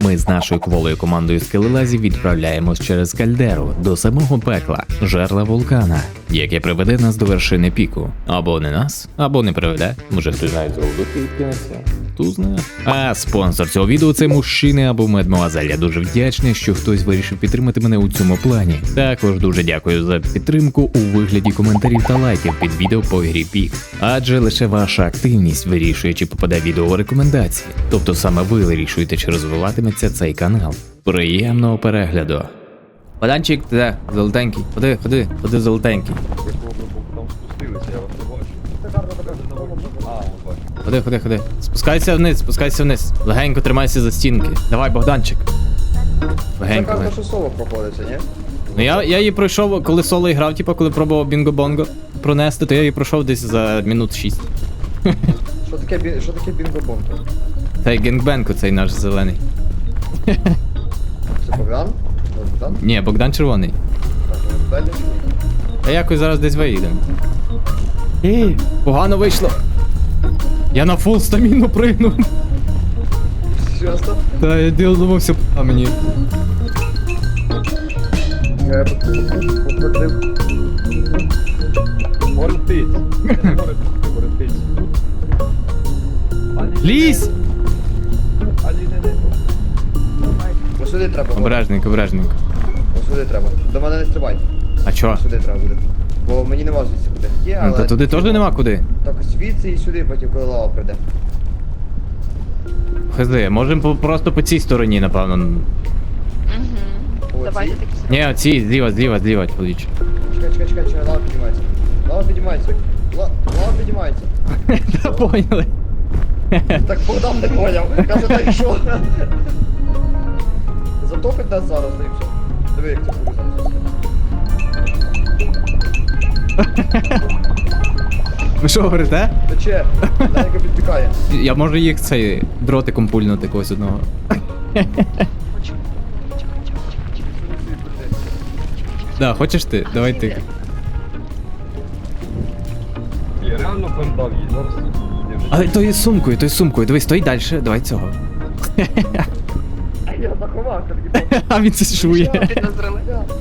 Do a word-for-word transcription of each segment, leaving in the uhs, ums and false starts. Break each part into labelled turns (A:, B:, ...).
A: Ми з нашою кволою командою скелелазів відправляємось через кальдеру до самого пекла, жерла вулкана, яке приведе нас до вершини піку. Або не нас, або не приведе. Може хтось навіть з роздухи відкинеться. Хто знає. А спонсор цього відео це мужчина або мадмуазель. Я дуже вдячний, що хтось вирішив підтримати мене у цьому плані. Також дуже дякую за підтримку у вигляді коментарів та лайків під відео по грі Пік. Адже лише ваша активність вирішує, чи попаде відео у рекомендації. Тобто саме ви вирішуєте, чи розвиватиметься цей канал. Приємного перегляду. Богданчик, ти де? Золотенький. Ходи, ходи, ходи золотенький.
B: Там спустилися, я вас не бачу. А, бачу.
A: Ходи, ходи, ходи. Спускайся вниз, спускайся вниз. Легенько тримайся за стінки. Давай, Богданчик. Легенько.
B: Це
A: легенько.
B: карта, що соло проходиться, ні?
A: Ну я, я її пройшов, коли соло грав, типу, коли пробував бінго-бонго пронести, то я її пройшов десь за минут шість.
B: Що таке, бі- що таке бінго-бонго?
A: Цей генгбенг цей наш зелений.
B: Це Богдан? Це Богдан?
A: Ні, Богдан червоний.
B: Так, ну, далі.
A: Та якось зараз десь виїдемо. Ей, погано вийшло. Я на фул стаміну пригнув.
B: Серйозно?
A: Та я думався, а мені.
B: Я покрутив. Горитить. Горитить.
A: Лізь!
B: Ось сюди треба. Горить.
A: Обережненько, обережненько.
B: Ось сюди треба. До мене не стрибай.
A: А чо?
B: Ось сюди треба буде. Бо мені нема звідси куди. Є,
A: Ну,
B: але...
A: та туди теж нема куди.
B: Так, звідси і сюди, потім коли лава прийде.
A: Хз, можемо по- просто по цій стороні, напевно.
C: Угу.
B: О,
C: Давайте
B: ці?
C: такі
A: Ні, оці, зліва, зліва, зліва, чоловіче.
B: Чекай, чекай, чекай, чекай, лава піднімається. Лава піднімається. Ла- Лава піднімається.
A: Та поняли.
B: Так Богдан не поняв. Каже, так що? Затопить нас зараз, да і все. Диви, як це буде зараз.
A: Ви що говорите?
B: Тече, легенько підтікає.
A: Я можу їх цей дротиком пульнути когось одного.
C: хочу.
A: Да, хочеш ти? Давай ти.
B: Я реально пам'ятав її зараз.
A: Але то із сумкою, то із сумкою. Дивись, стой далі, давай цього.
B: Я заховався, таки.
A: А він це шує.
C: Підозрили.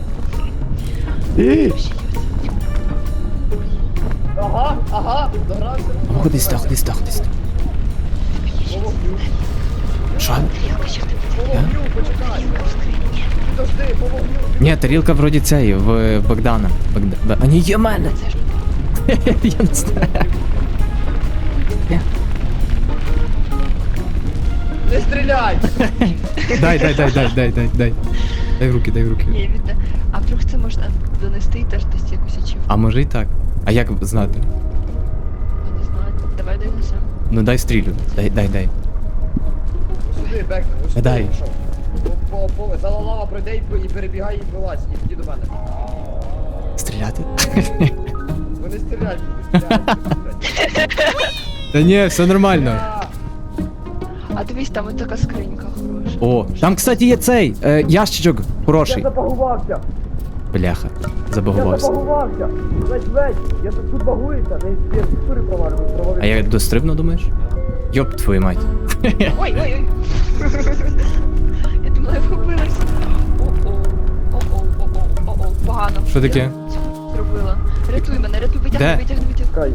B: Ага, ага, догрався.
A: Ходи сюди, ходи сюди, ходи сюди.
B: Помогню.
A: Що?
B: Помогню, почекай. Подожди, помогню.
A: Ні, тарілка вроді цієї, в в Богдана. Богда... Б- А ні, є в мене. Я не знаю. Ні.
B: Не стріляй!
A: Дай, дай, дай, дай, дай, дай, дай. Дай в руки, дай в руки.
C: Ні, відне. А вдруг це можна донести і теж десь якусь ачівку?
A: А може і так. А як знати?
C: Я не знаю. Давай донесемо.
A: Ну дай стрілю. Дай, дай, дай.
B: Сюди, Бекна, ось сюди.
A: Дай.
B: пішов. По, по, по, за лава пройде і, і перебігай і вилазь, і тоді до мене.
A: Стріляти?
B: Вони стріляють, не стріляють.
A: Та ні, все нормально.
C: А дивись, там ось така скринька хороша.
A: О, там, кстати, є цей е, ящичок
B: Я
A: хороший.
B: забагувався!
A: Бляха,
B: Я
A: забагувався.
B: забагувався! Ледь, ледь! Я тут тут багуюся, не я структури провалюю, провалюю.
A: А я дострибну, думаєш? Йоп, твою мать.
C: Ой, ой, ой. Я думала, я вхопилась. О-о, о-о, о-о, о-о, погано.
A: Що таке?
C: Зробила. Рятуй мене, рятуй,
A: Де?
C: витягни, витягни, витягни.
B: Чекай.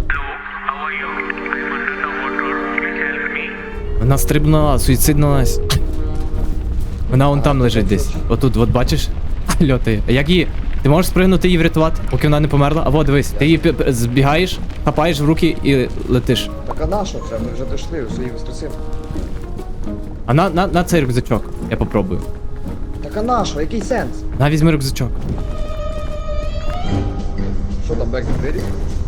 A: Вона стрибнула, суїциднулась. Вона вон там лежить десь. Отут, от бачиш? Льотає. А як її? Ти можеш спригнути її врятувати, поки вона не померла? А во, дивись, ти її пі- пі- збігаєш, хапаєш в руки і летиш.
B: Так а на що це? Ми вже дійшли, все її воскресимо.
A: А на, на, на цей рюкзачок. Я попробую.
B: Так а на що? Який сенс?
A: На, візьми рюкзачок.
B: Що там, Бекна, двері?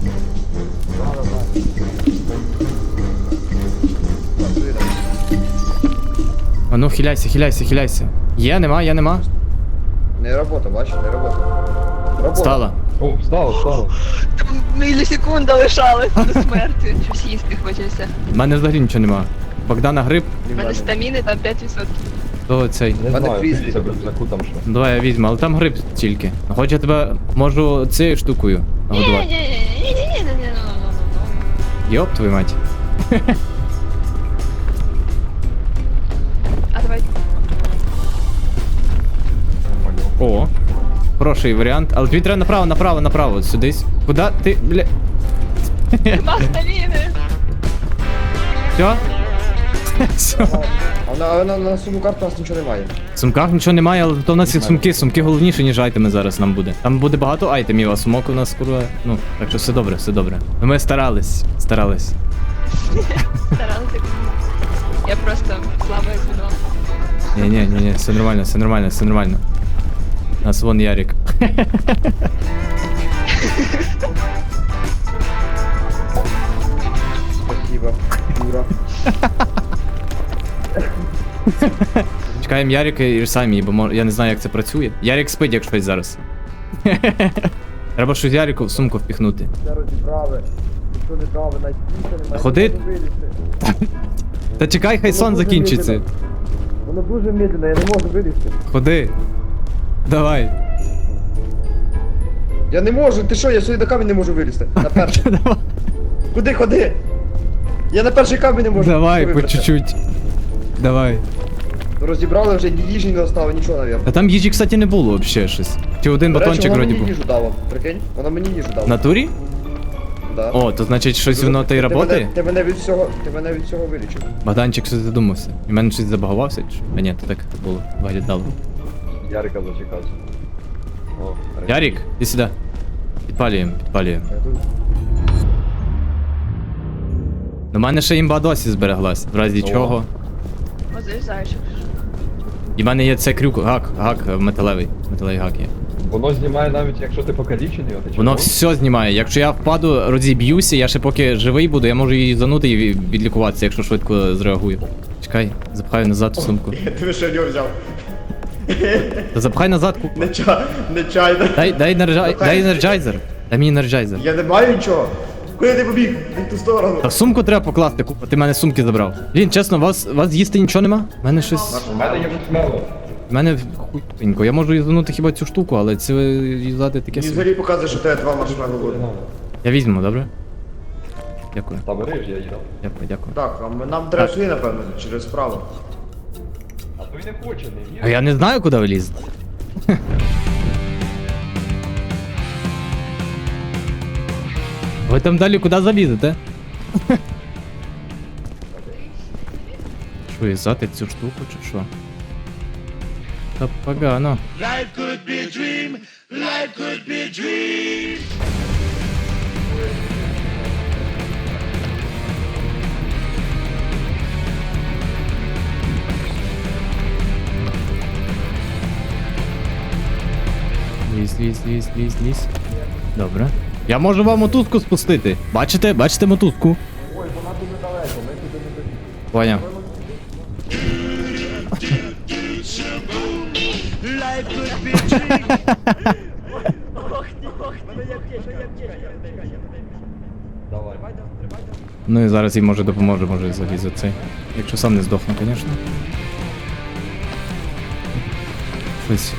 A: А ну, хиляйся, хиляйся, хиляйся. Є, нема, є, нема.
B: Не робота, бачиш, не робота. Робота.
A: Стала.
D: О, встало, встало.
C: Там мілісекунда лишалась до смерті. Щось їсти хочеться.
A: У мене взагалі нічого нема. Богдана гриб,
C: У мене стаміни там п'ять відсотків.
A: то цей.
D: Не
B: Мене
D: знаю,
B: фрізбі.
D: це без знаку там що.
A: Давай я візьму, але там гриб тільки. Хоч я тебе можу цією штукою нагодувати.
C: Ні-ні-ні-ні-ні-ні-ні-ні-ні.
A: Йоп, твою мать.
C: А давай.
A: хороший варіант, але тобі треба направо, направо, направо, от сюдись. Куда ти, бля...
C: Нема сталіни.
A: Все? Все.
D: А на, а на, на суму карту у нас нічого немає.
A: В сумках нічого немає, але то в нас є сумки, сумки головніше, ніж айтеми зараз нам буде. Там буде багато айтемів, а сумок у нас курва, ну, так що все добре, все добре. Ну, ми старались, старались.
C: Старалася. Я просто слабо звіно.
A: Ні, ні, ні, ні, все нормально, все нормально, все нормально. У нас вон Ярик.
D: Спасибо, Юра.
A: Чекаємо Ярика і самі, бо мож- я не знаю, як це працює. Ярик спить, як щось зараз. Треба щось Ярику в сумку впіхнути.
D: Все розібрали. Ніхто не брали, навіть піса немає.
A: Ходи.
D: Не можу вилізти.
A: Та чекай, хай сон
D: дуже
A: закінчиться.
D: медленно. Воно дуже медленно, я не можу вилізти.
A: Ходи. Давай.
D: Я не можу, ти що, я сюди до камінь не можу вилізти. На перший.
A: Давай,
D: Куди, ходи? Я на перший камінь не можу.
A: давай, по
D: вибратися.
A: чуть-чуть. Давай.
D: Розібрали вже, ні їжі не остало, нічого, навірно.
A: Та там їжі, кстати, не було взагалі щось. Чи один
D: До речі,
A: батончик
D: вона
A: вроді
D: мені
A: був.
D: їжу дала, прикинь? Вона мені їжу
A: В
D: дала.
A: натурі?
D: Да.
A: О, то значить щось воно та й
D: Ти мене-
A: работає?
D: Ти мене від всього, ти мене від всього вилічив.
A: Богданчик щось задумався. І в мене щось забагувався? чи що? А ні, то так було. Виглядало.
B: Ярика зачекався. О,
A: Ярик, іди сюди. Підпалюємо, підпалюємо.
D: Я тут-
A: У мене ще імба досі збереглась, в разі
B: О.
A: чого.
C: Ось зайчик.
A: І в мене є це крюк, гак, гак е, металевий. Металевий гак є.
B: Воно знімає навіть якщо ти покалічений, от,
A: Воно все знімає. Якщо я впаду, розіб'юся, я ще поки живий буду, я можу її занути і ві- відлікуватися, якщо швидко зреагую. Чекай, запхаю назад у сумку.
E: Ти що в нього взяв?
A: Та запхай назад, купа.
E: Не ча, не чайно.
A: Дай, дай, енерджай, дай енерджайзер. Дай мені енерджайзер.
E: Я не маю нічого. Куди ти побіг? В ту сторону.
A: Та в сумку треба покласти, купа, ти в мене сумки забрав. Блін, чесно, вас, вас їсти нічого нема? У мене щось.
B: У мене є мало.
A: У мене хуйненько. Я можу юзанути хіба цю штуку, але це юзати таке
E: Мені
A: собі.
E: взагалі показує, що в тебе два маршмеллоу буде.
A: Я візьму, добре? Дякую,
B: Та бери ж, я їдав.
A: дякую, дякую.
E: Так, а ми- нам треба сюди, напевно, через справа.
B: А то й не хоче, не
A: А я не знаю, куди влізти. Ви там далі куди залізете? Що, юзати цю штуку чи що? Та погано. Лізь, лізь, лізь, лізь, лізь. Добре. Я можу вам мотузку спустити. Бачите? Бачите мотузку? Ой, вона дуже далеко, ми туди не доїдемо. Поняв.
B: Давай.
A: Ну і зараз їй може допоможе, може залізти цей. Якщо сам не здохну, звісно. Щось.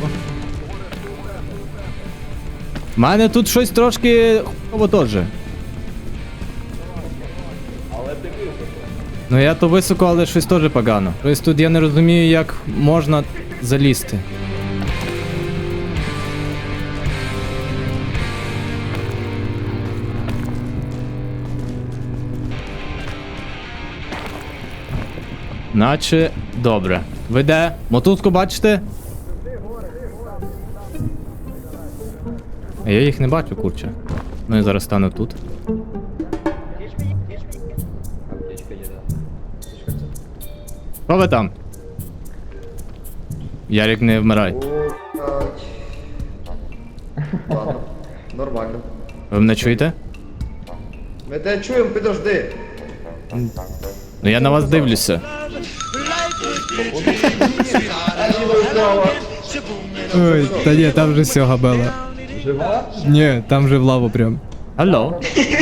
A: У мене тут щось трошки хуйово теж. Ну я то високо, але щось теж погано. Тобто тут я не розумію, як можна залізти. Наче добре. Ви де? Мотузку бачите? А я їх не бачу, курче. Ну я зараз стану тут.
B: Аптечка є, да.
A: Що ви там? Ярик, не вмирай.
D: О, так. Ладно, нормально.
A: Ви мене чуєте?
D: Ми тебе чуємо, підожди.
A: Ну я на вас дивлюся. Ой, та ні, там вже все габела.
B: Жива?
A: Ні, там же в лаву прям. Алло.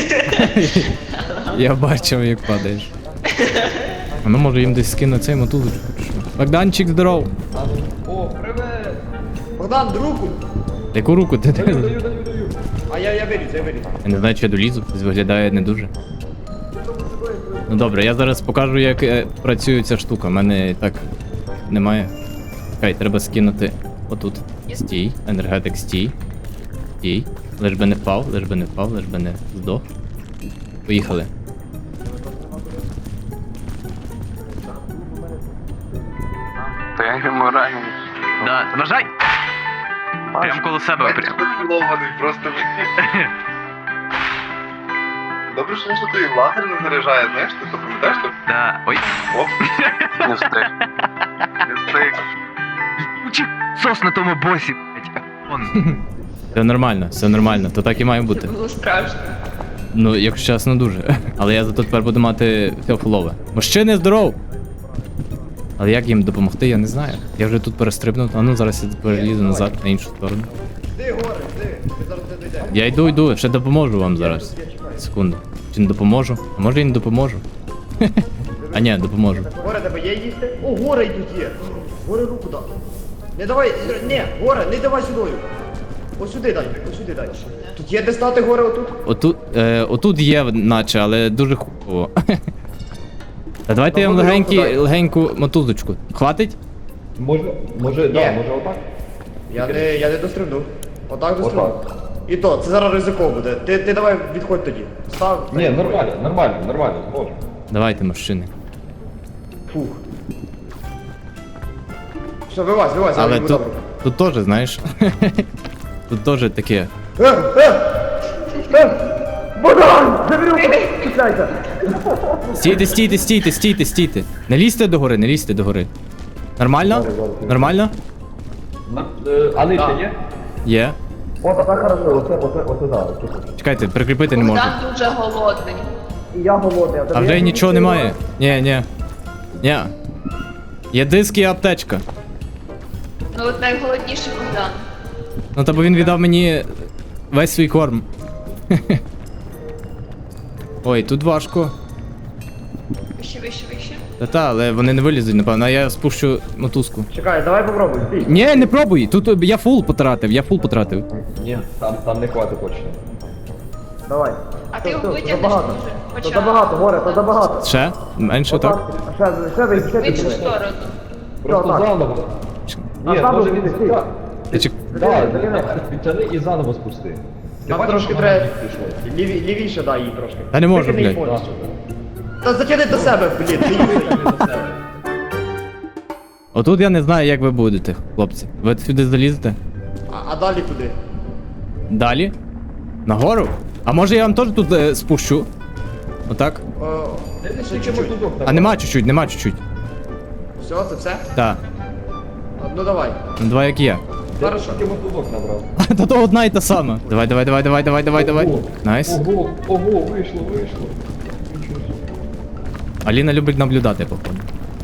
A: Я бачив, як падаєш. А ну може їм десь скину цей мотузочку. чи що? Богданчик, здоров.
B: О, привет!
D: Богдан, руку.
A: Яку руку ти
B: Даю,
A: даєш?
B: даю, даю, даю.
D: А я, я виліз, я виліз.
A: Я не знаю, чи я долізу, виглядає не дуже. Ну добре, я зараз покажу, як е, працює ця штука. У мене і так немає. Чекай, треба скинути Отут. Стій. Енергетик стій. Стій. Лиш би не впав, лиш би не впав, лиш би не здох. Поїхали.
F: Та я йому раню.
A: Да, вважай! Прям коло себе. Прям.
F: Поцілований просто. Добре, що що той лазер не заряджає, знаєш, ти то пам'ятаєш, що?
A: Да. Ой.
F: Оп. Не встиг. Не встиг.
A: Сос на тому босі, блядь. Все нормально, все нормально, то так і має
C: Це
A: бути.
C: було страшно.
A: Ну, якщо чесно, дуже. Але я зато тепер буду мати все фулове. Мужчини, здоров! Але як їм допомогти, я не знаю. Я вже тут перестрибнув, а ну зараз я перелізу назад на іншу сторону.
E: Йди, горе, йди. Ми зараз не дійдемо.
A: Я йду, йду, ще допоможу вам зараз. Секунду. Чи не допоможу? А може і не допоможу? А ні, допоможу.
E: Горе, тебе є їсти? О, горе тут є. Горе руку дай. Не давай, не, горе, не давай сюди. Ось сюди дай, ось сюди дай. Тут є де стати горе отут?
A: Отут, е, отут є, наче, але дуже хупово. Та давайте я вам легенькі, легеньку мотузочку. Хватить?
B: Може, може, да,
E: Ні.
B: може отак?
E: Я не, я не дострибну. Отак дострибну.
B: Отак.
E: І то, це зараз ризиково буде. Ти, ти давай відходь тоді. Став.
B: Ні, нормально, нормально, нормально, зможемо.
A: Давайте, мужчини.
E: Фух. Все, вилазь, вилазь, я
A: Але
E: візьму
A: тут,
E: добре.
A: тут теж, знаєш. Тут теж таке.
E: Е, е! Е! Богдан! Заберу! Чекайте!
A: Стійте, стійте, стійте, стійте, стійте. Не лізьте до гори, не лізьте до гори. Нормально? Нормально?
B: На- е, А нижче є?
A: Є.
B: О, так хорошо, оце, оце, оце зараз.
A: Чекайте, прикріпити не можу.
C: Богдан дуже голодний.
E: І я голодний.
A: А вже й нічого немає. Ні, ні. Ні. Є диск і аптечка.
C: Ну от найголодніший Богдан.
A: Ну та бо він віддав мені весь свій корм. Ой, тут важко.
C: Вище, вище, вище.
A: Та-та, але вони не вилізуть, напевно, а я спущу мотузку.
E: Чекай, давай попробуй, стій.
A: Ні, не пробуй! Тут я фул потратив, я фул потратив.
B: Ні, там, там не хватить точно.
E: Давай.
C: А ти його
E: Все,
C: витягнеш
E: забагато.
C: може?
E: То
C: Хоча...
E: забагато, горе, то забагато.
A: Ще? Менше так?
E: Ще, ще вийди, ще
C: В іншу
E: вийди.
C: сторону.
B: Просто
E: так.
B: заново.
E: А
B: Ні,
E: заново
B: може
E: піди,
B: він
E: стій.
B: так.
A: Ти чек-
B: Да,
E: Закидай.
B: відтяни і заново спусти. Ти
E: Нам
B: бачиш,
E: трошки
B: що
E: треба.
B: вона пішло?
E: Ліві, лівіше дай їй трошки.
A: Та не можу,
E: Викидай її
A: блядь.
E: повністю. Та затягни до себе, блін, ти її.
A: Отут я не знаю, як ви будете, хлопці. Ви сюди залізете?
E: А, а далі куди?
A: Далі? Нагору? А може я вам теж тут е, спущу? Отак?
E: О, ще
B: Скільки
E: чуть-чуть.
B: мотузок
A: А нема чуть-чуть, нема чуть-чуть.
E: Все, це все?
A: Так.
E: А, ну давай.
A: Ну два як є.
E: Хорошо.
B: Скільки мотузок набрав?
A: Та то одна і та сама. Давай, давай, давай, давай, давай, давай, давай.
B: Ого,
A: Найс.
B: Ого, ого, вийшло, вийшло. Нічого собі.
A: Аліна любить наблюдати, походу.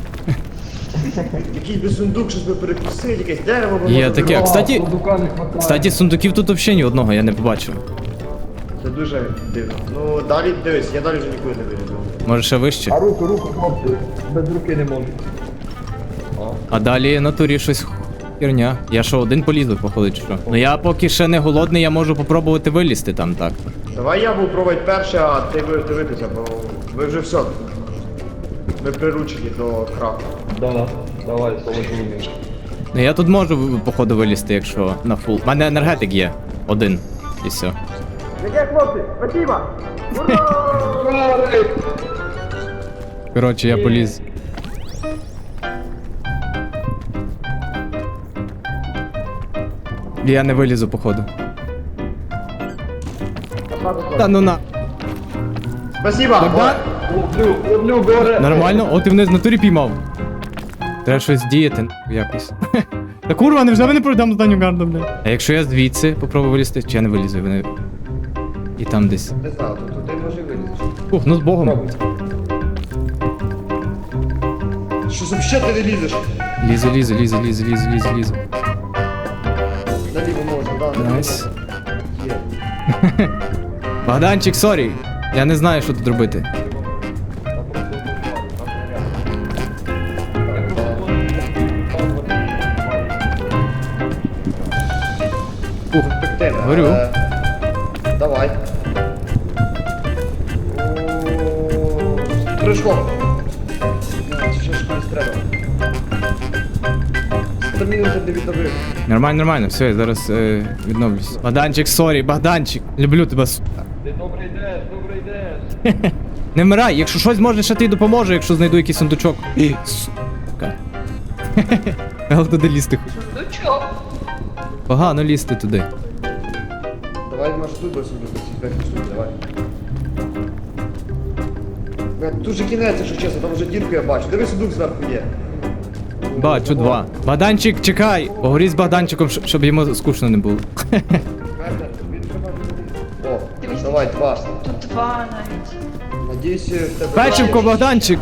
E: Якийсь би сундук, щось би перекусити, якесь дерево би
A: Є
E: можна
A: таке.
E: зробити.
A: Кстати-
B: Сундука не хватає.
A: Кстати, сундуків тут взагалі ні одного я не побачив.
E: Це дуже дивно. Ну далі дивись, я далі вже нікуди не вилізу.
A: Може ще вище.
B: А руку, руку, хлопці, без руки не можуть. О.
A: А далі на турі щось херня. Я що, один полізу, походу, чи що? Ну я поки ще не голодний, я можу попробувати вилізти там так.
E: Давай я буду пробувати перше, а ти будеш дивитися, бо ви вже все. Ви приручені до краху.
B: Да, давай, солодіння.
A: Ну я тут можу, походу, вилізти, якщо на фул. У мене енергетик є. Один. І все.
E: Яке хлопці? Спасибо! Ура!
A: Коротше, я поліз. Я не вилізу, походу. Та ну на.
E: Спасибо!
A: Богдан?
B: Ловлю, ловлю, горе.
A: Нормально? О, ти мене з натурі піймав. Треба щось діяти якось. Та курва, невже ви не пройдемо останню гарду, бля? А якщо я звідси попробую вилізти, чи я не вилізу, вони. І там десь.
E: Не знаю, тут туди може вилізти.
A: Ух, ну з Богом.
E: Що взагалі ти не лізеш?
A: Лізу, лізу, лізу, лізу, лізу, лізу, лізу.
E: Наліво можна, да. наліво
A: Найс.
E: Є.
A: Богданчик, сорі. Я не знаю, що тут робити. Ух,
E: Перспектива.
A: Говорю.
E: Е, Давай. О, Прыжком. Це ще ж колись треба. стаміну вже не відновив.
G: Нормально, нормально, все, я зараз е, відновлюсь. Богданчик, сорі, Богданчик. Люблю тебе. су-
B: Ти добре йдеш, добре йдеш.
G: Не вмирай, якщо щось може, ще ти допоможе, якщо знайду якийсь сундучок. І, сука. Але туди лізти хоч.
C: Сундучок.
G: Погано лізти туди.
E: Давай, може тут без сундука, ці верхні штуки, давай. Бля, тут же кінець, якщо чесно, там вже дірку я бачу. Диви, сундук зверху є.
G: Бачу, два. Богданчик, чекай! Поговоріть з Богданчиком, щ- щоб йому скучно не було.
E: Мерне, він вже бачить. О,
C: Дивись,
E: давай, два.
C: Тут два навіть.
E: Надіюсь, в тебе...
G: Печивко, Богданчик!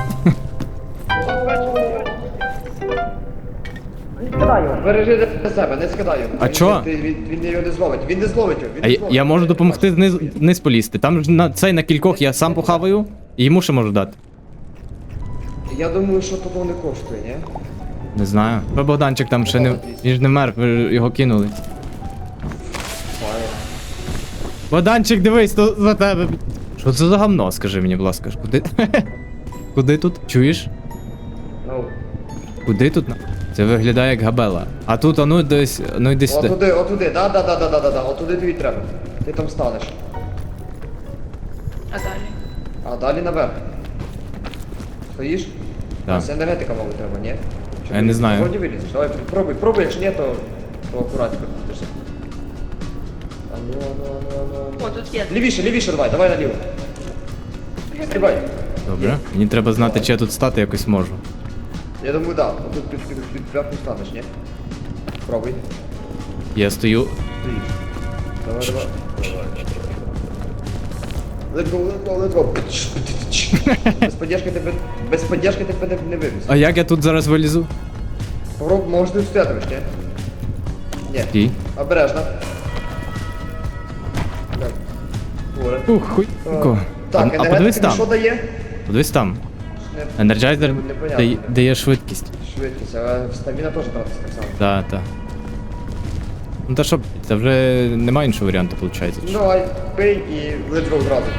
E: Не скидай його, бережи для себе, не скидай його.
G: А
E: Він-
G: чо?
E: Він, він, він його не зловить, він не зловить його, він
G: А
E: не
G: я,
E: зловить.
G: я можу допомогти вниз, вниз полізти. Там ж на цей на кількох я сам похаваю, і йому ще можу дати.
E: Я думаю, що того не коштує, ні?
G: Не знаю. Бо Богданчик там ще не. Він ж не мер, ви ж його кинули. Богданчик, дивись, то за тебе. Що це за гамно, скажи мені, будь ласка. Куди? Куди тут? Чуєш?
E: Ну,
G: Куди тут? Це виглядає як габела. А тут, а ну десь, ну йди сюди.
E: отуди, отуди, да, да, да, да, да, да, да, отуди тобі треба. Ти там станеш.
C: А далі?
E: А далі наверх. Стоїш?
G: Так.
E: Це енергетика, мабуть, треба, ні? Чи
G: Я не
E: ти
G: знаю.
E: Вроді вилізеш, давай, пробуй, пробуй, якщо ні, то, то акуратненько підпиши. А ну, ну, ну, ну, ну.
C: О, тут є.
E: Лівіше, лівіше давай, давай наліво. Стрибай.
G: Добре. Мені треба знати, чи я тут стати якось можу.
E: Я думаю, да, отут під, під, під верху станеш, ні? Пробуй.
G: Я стою.
E: Давай, давай. Let's go, let's go, let's go. Без поддержки тебе, без поддержки тебе не вивіз.
G: А як я тут зараз вилізу?
E: Попробуй, може ти встоятимеш, ні? Ні.
G: Стій.
E: Обережно. Так. Горе.
G: Ух, хуй.
E: Е, Так,
G: а, а подивись
E: енергетика що
G: там.
E: дає?
G: Подивись там.
E: Не-
G: Енерджайзер
E: Непонятно.
G: дає, дає швидкість.
E: Швидкість, а стаміна теж тратиться так само.
G: Так, так. Ну та що, це вже немає іншого варіанту, виходить.
E: Ну, давай, пий і let's go зразу.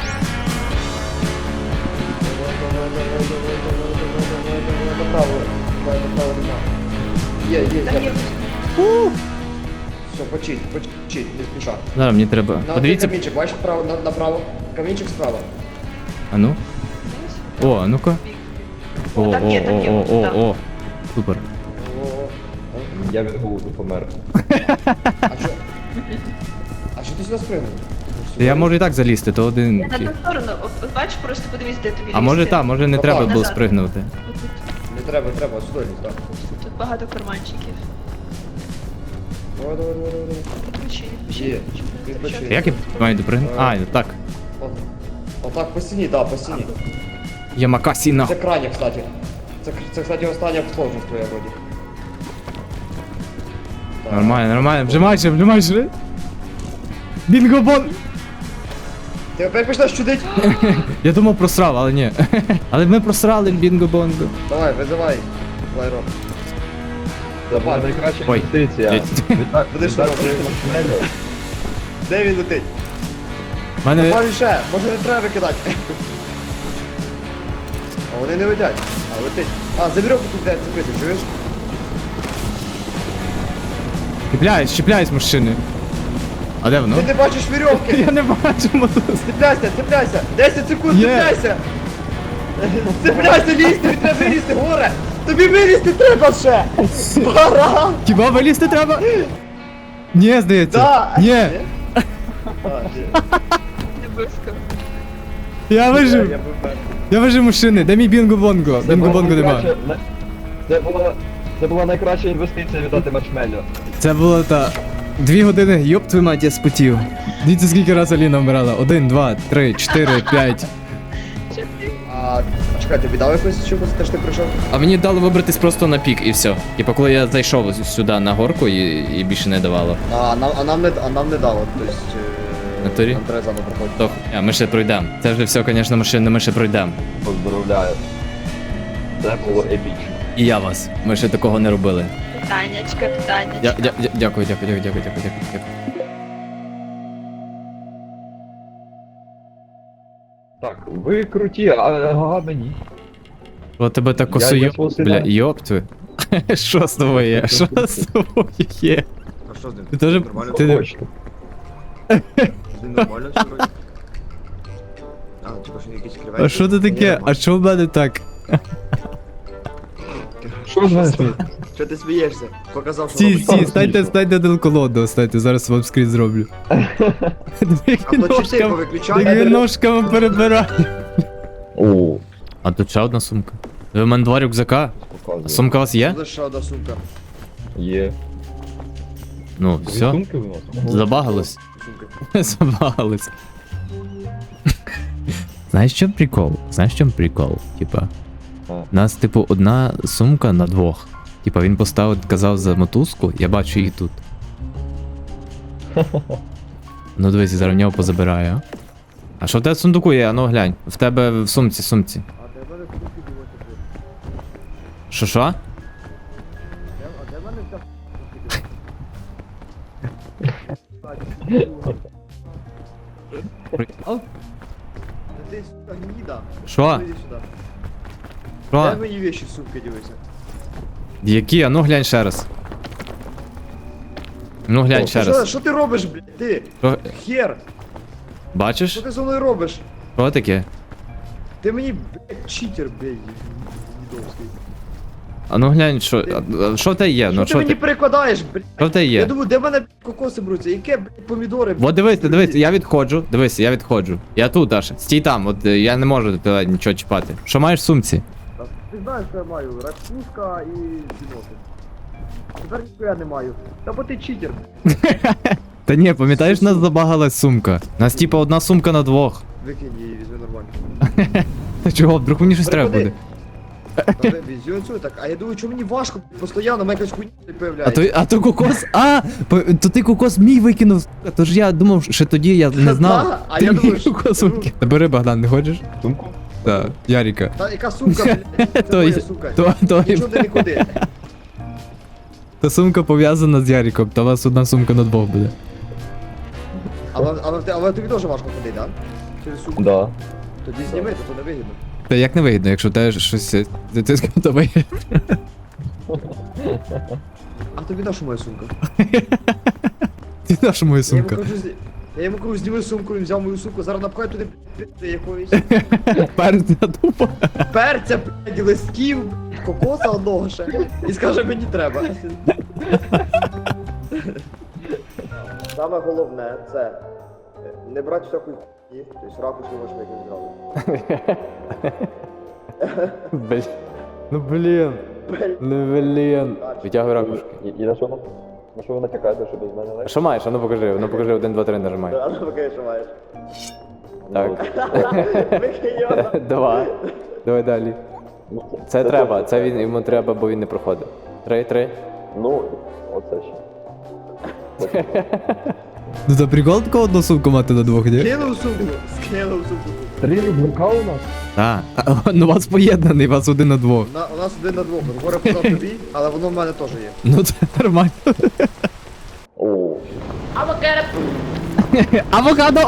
E: Направо, давай направо нема. Є, є,
C: Там
E: є.
C: є.
E: Все, почить, почить, не спіша.
G: Зараз мені треба.
E: На
G: Подивіться.
E: один камінчик, бачиш вправо, на- направо. Камінчик справа.
G: А ну. О, а ну-ка. О, о,
C: Там є, там
G: о,
C: є,
G: о, о,
C: там.
G: о. Супер.
E: О,
B: Я від голоду помер.
E: а що? А що ти сюди спригнув?
G: Я можу і так залізти, то один.
C: На ту сторону, от, от бачиш, просто подивись, де тобі
G: А може
C: лізти.
G: так, може не
E: Отак.
G: треба було
C: Назад.
G: спригнути.
E: Не треба, треба, сюди лізь, так.
C: Тут багато карманчиків.
E: Давай, давай, давай, давай.
C: Відпочи, відпочи,
E: Є,
C: відпочи,
E: відпочи.
C: відпочи.
G: Як я маю допригнути? А, так.
E: От. Отак по стіні, да, по стіні.
G: Ямакасіна.
E: Це крайня, кстати. Це, це, кстати, остання сложність твоя вроді. Так.
G: Нормально, нормально. Вжимайся, вжимайся. Бінгобон!
E: Ти опять почнеш чудить?
G: Я думав просрав, але ні. Але ми просрали бінго-бонго.
E: Давай, визивай. Лайро.
B: Це була найкраща
G: Ой.
B: інвестиція.
G: Блядь.
B: Віддати
E: Будеш
B: віддати
E: робити.
B: маршмеллоу.
E: Де він летить?
G: В Мене...
E: Добаві ще, може не треба викидати. А вони не летять. А летить. А, за вірьовку тут де цепити, чуєш?
G: Чіпляюсь, чіпляюсь, мужчини. А де воно?
E: Ти не бачиш вірьовки!
G: Я не бачу мотоцикл.
E: Цепляйся, цепляйся! десять секунд,
G: Є.
E: цепляйся! Цепляйся, лізти, тобі треба вилізти, горе! Тобі вилізти треба ще! Баран!
G: Хіба вилізти треба? Ні, здається.
E: Да!
G: Ні,
E: А, ні.
C: Не близько.
G: я
E: Я
G: вижив.
E: був мертвий.
G: Я вижив, мужчини. Де мій бінго-бонго?
B: Це була
G: Бінго-бонго нема.
B: найкраща- на- Це була... Це була найкраща інвестиція віддати маршмеллоу.
G: Це було та... Дві години, йоп твою мать, я спотів. Дивіться, скільки раз Аліна вмирала. Один, два, три, чотири, п'ять.
E: А, чекай, тобі дав якось чогось, те ж ти прийшов?
A: А мені дали вибратись просто на пік і все. Типа, коли я зайшов сюди на горку і, і більше не давало.
E: А, нам, а нам не, а нам не дало, тобто... е,
A: Натурі?
E: Нам треба заново проходити.
A: То, а, ми ще пройдемо. Це вже все, звісно, машини, ми ще пройдемо.
B: Поздравляю. Це було епічно.
A: І я вас. Ми ще такого не робили.
C: Питаннячка, питаннячка.
A: Дя, дя, дя, дякую, дякую, дякую, дякую, дякую, дякую, дякую.
B: Так, ви круті, а ага мені.
A: От тебе так
B: Я-
A: косою.
B: я просто
A: Бля,
B: дам.
A: йоп твою.
G: Що з тобою є? Що з тобою є?
E: А що з ним?
G: Ти теж-
E: Нормально?
G: ти не-
B: Хочете.
E: З ним нормально все вроді? А, типа, що якісь креветки?
G: А що це таке? А що в мене так?
B: Що з мене сміє?
E: Що ти смієшся? Показав, що
G: Стій,
E: робить.
G: стій, станьте, станьте один колоду, станьте, зараз вам скрін зроблю. Як
E: А
G: він
E: то чи ти
G: ножками,
E: повиключай?
G: як він ножками перебирає.
B: О,
G: А тут ще одна сумка. Ви в мене два рюкзака.
B: показує.
G: Сумка у вас є?
E: Це ще одна сумка.
B: Є.
G: Ну,
B: Дві
G: все.
B: сумки виносимо?
G: Забагалось.
E: Сумка.
G: Забагалось. Знаєш, що прикол? Знаєш, в чому прикол? Типа,
B: А.
G: у нас, типу, одна сумка на двох. Типа, він поставив, казав за мотузку, я бачу її тут. Ну дивись, я зараз в нього позабираю. а. А що в тебе в сундуку є? А ну глянь. В тебе в сумці, сумці.
E: А де в мене сумки дивиться?
G: Що що?
E: А де в мене вся
G: Прикол?
E: Та ти, сука, гніда.
G: Що?
E: Іди сюди.
G: Що?
E: Дай мені вещи з сумки дивися.
G: Які? А ну глянь ще раз. Ну глянь ще
E: Що,
G: раз.
E: що ти робиш, блядь? Ти?
G: Що?
E: Хер!
G: Бачиш?
E: Що ти зі мною робиш?
G: Що таке?
E: Ти мені, блядь, читер, блядь, гнідовський.
G: А ну глянь, що. а- а Що в тебе є?
E: Що
G: Ну
E: ти
G: що
E: мені
G: ти.
E: перекладаєш, блядь?
G: Що в тебе
E: Я
G: є?
E: думаю, де в мене блядь, кокоси беруться? Яке, блядь, помідори?
G: От дивись, дивись, я відходжу. Дивись, я відходжу. Я тут аж. Стій там, от е, я не можу тебе нічого чіпати. Що маєш в сумці?
E: Та Ти знаєш, що я маю? Ракушка і бінокль. Тепер ніхуя не маю. Та бо ти читер.
G: Та ні, пам'ятаєш, нас забагалась сумка. Нас типа одна сумка на двох.
E: Викинь її, візьми нормально.
G: Та чого, вдруг мені щось треба буде.
E: Переклади. Та ви- візьми оцю, так. А я думаю, чому мені важко? Постійно, мене якась хуйня не
G: А
E: появляється.
G: то, а то кокос. А! по- То ти кокос мій викинув. сука, Тож я думав, що тоді я не знав.
E: Да, а
G: Ти
E: я
G: мій
E: думаю, що-
G: кокос викинув. Та бери, Богдан, не хочеш?
B: Сумку?
G: Так, Яріка.
E: Та яка сумка, блядь? Це
G: То
E: моя
G: є-
E: сумка.
G: то- то-
E: Нічого ти нікуди.
G: Та сумка пов'язана з Яріком, та у вас одна сумка на двох буде.
E: Але, але, ти- але тобі теж важко ходити, так? Через сумку.
B: Да.
E: Тоді зніми, то то не вигідно.
G: Та як не вигідно, якщо в тебе щось е, ти скотове.
E: А тобі на що моя сумка?
G: Ти наша моя
E: Я йому
G: сумка.
E: кажу, зні- я йому кажу, зніми сумку, він взяв мою сумку, зараз напхай туди пи***ти якоїсь.
G: Перед тупо.
E: Перця, блядь, листків, блядь, кокоса одного ще. І скаже, мені треба. Саме головне це е, не брати всякої хуйні, тобто ракушки можеш викинути зразу.
G: Блін. Ну блін. Ну блін. Витягуй ракушки.
B: І, і на що на, на що ви натякаєте, що без мене
G: А
B: легше?
G: що маєш? А ну покажи, ну покажи, один, два, три нажимай.
E: А ну покажи, що маєш.
G: Так.
E: Викинь його.
G: Два. Давай далі.
B: Ну,
G: Це треба, це він йому треба, бо він не проходив. Три, три.
B: Ну, оце ще.
G: Ну це прикол такого одну сумку мати на двох, ні?
E: Кинув сумку, скинув сумку.
B: Три рюкзака у нас?
G: Так. Ну у вас поєднаний, у вас один на двох.
E: На, у нас один на двох. Горе подав тобі, але воно в мене теж є.
G: Ну це нормально.
B: О,
G: Авокадо!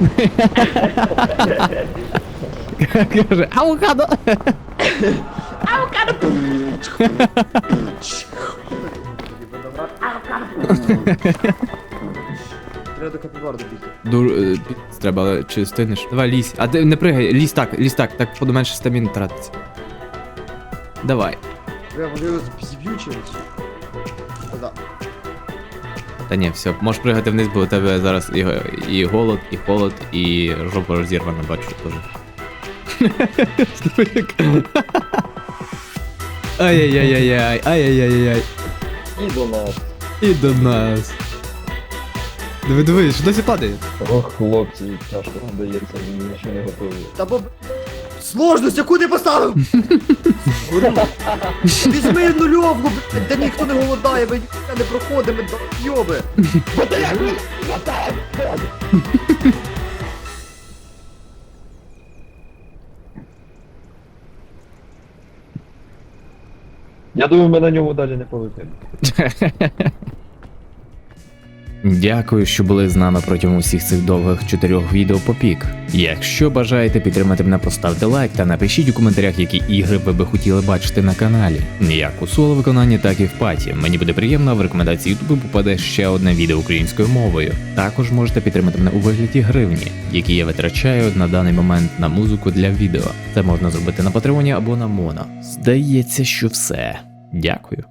G: Каже, авокадо!
E: Треба до капібар добігти.
G: Дур... е, пі- Треба, але чи стинеш? Давай лізь. А ти не пригай, лізь так, лізь так, так буду менше стаміни тратиться. Давай.
E: Я може його зіб'ю чимось. Да.
G: Та ні, все, можеш пригати вниз, бо у тебе зараз і, і голод, і холод, і жопа розірвана, бачу теж. Ай-яй-яй-яй, ай-яй-яй-яй.
B: і до нас.
G: І до нас. Диви, диви, що досі падає?
B: Ох, хлопці, тяжко подається, мені нічого не готові.
E: Та бо... Сложність, яку ти поставив? Горю. Візьми нульовку, блядь, де ніхто не голодає, ми ніхто не проходимо, йоби.
B: Я думаю, ми на ньому далі не полетимо.
A: Дякую, що були з нами протягом усіх цих довгих чотирьох відео по пік. Якщо бажаєте підтримати мене, поставте лайк та напишіть у коментарях, які ігри ви би хотіли бачити на каналі. Як у соло виконанні, так і в паті. Мені буде приємно, а в рекомендації Ютубу попаде ще одне відео українською мовою. Також можете підтримати мене у вигляді гривні, які я витрачаю на даний момент на музику для відео. Це можна зробити на Патреоні або на Моно. Здається, що все. Дякую.